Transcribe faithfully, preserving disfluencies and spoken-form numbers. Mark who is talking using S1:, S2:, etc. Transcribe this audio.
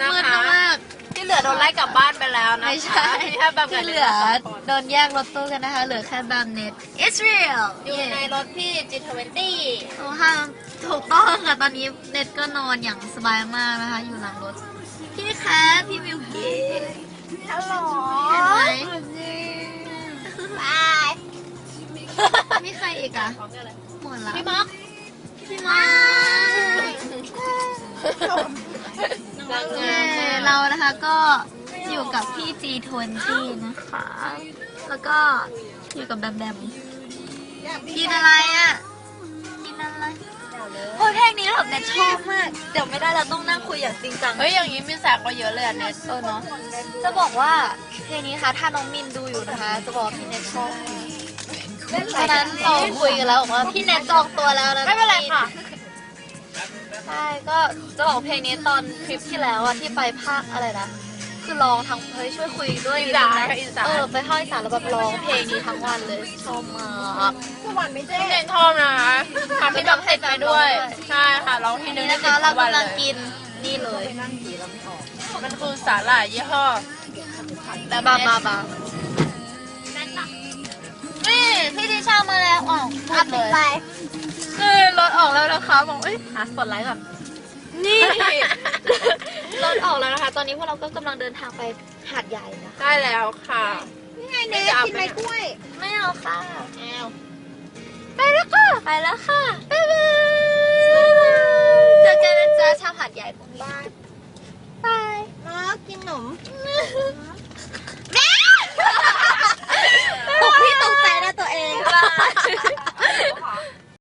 S1: นะคะ
S2: มาก
S1: ที่เหลือโดนไล่กลับบ้านไปแล้วนะคะ
S2: ไม่ใช่
S1: มีแค่แบบ
S2: ที่เหลือโดนแยกรถตู้กันนะคะ เหลือแค่บามเน็ต Israel
S1: อยู่ในรถพี่ จี ทเวนตี้
S2: โอ้ค่ะถูกต้องค่ะ ตอนนี้เน็ตก็นอนอย่างสบายมากนะคะ อยู่หลังรถ พี่แคทพี่มิวกี้
S1: ฮัลโหล
S2: เห็นไหม
S1: บาย
S2: มีใครอีกอะหมดละ
S1: พี่ม็อก
S2: พี่มาเย้เรานะคะก็อยู่กับพี่ จี ทเวนตี้ นะคะ แล้วก็อยู่กับแบมแบมกินอะไรอ่ะ กินอะไรโอ้ยเพลงนี้แบบเน็ตชอบมาก เดี๋ยวไม่ได้เราต้องนั่งคุยอย่างจริงจัง
S1: เฮ้ย อย่างนี้มีแสกกว่าเยอะเลยอ่ะเนส
S2: เออเนาะ จะบอกว่าเพลงนี้ค่ะ ถ้าน้องมินดูอยู่นะคะ จะบอกพี่เน็ตชอบตอนนั้นเราคุยกันแล้วบอกว่าพี่เน็ตจองตัวแล้วนะ
S1: ไม่เป็นไรค่ะ
S2: ใช่ ก็จะบอกเพลงนี้ตอนคลิปที่แล้วอะที่ไปภาคอะไรนะ คือร้องทั้งเฮ้ยช่วยคุยด้วย
S1: อีสาน
S2: นิดนึง
S1: อี
S2: นะ
S1: สาน
S2: เออไปภาคอีสานแล้วแบบร้องเพลงนี้ทั้งวันเลยชอบมาก
S1: พี่เนนชอบนะคะทำพี่ดอกติดไปด้วย ใช่ค่ะร้องทีนึ
S2: นี่
S1: ง
S2: นะคะ
S1: ได้
S2: เรา
S1: สิบวัน
S2: กำลัง
S1: เลย
S2: กินนี่เลย
S1: มันคือสาหร่ายยี่ห้อ
S2: บาบาบานี่พี่ดิชามาแล้วอ๋อพูดเลย
S1: คือรถออกแล้วนะคะบอกเอ้ยหาสปอตไลท์ก่อน
S2: นี่ รถออกแล้วนะคะ ตอนนี้พวกเราก็กำลังเดินทางไปหาดใหญ่นะคะ
S1: ได้แล้วค่ะ
S2: นี่ไงเน
S1: ไม่
S2: ส
S1: จะเอา
S2: กิน
S1: ไป
S2: ไม้
S1: ไหน
S2: กล้วย ไม่เอาค่ะ
S1: แอล
S2: ไปแล้วค่ะ ไปแล้วค่ะ บ๊ายบายเจอกันนะจ๊ะชาวหาดใหญ่พรุ่งนี้บาย
S3: มากินขนม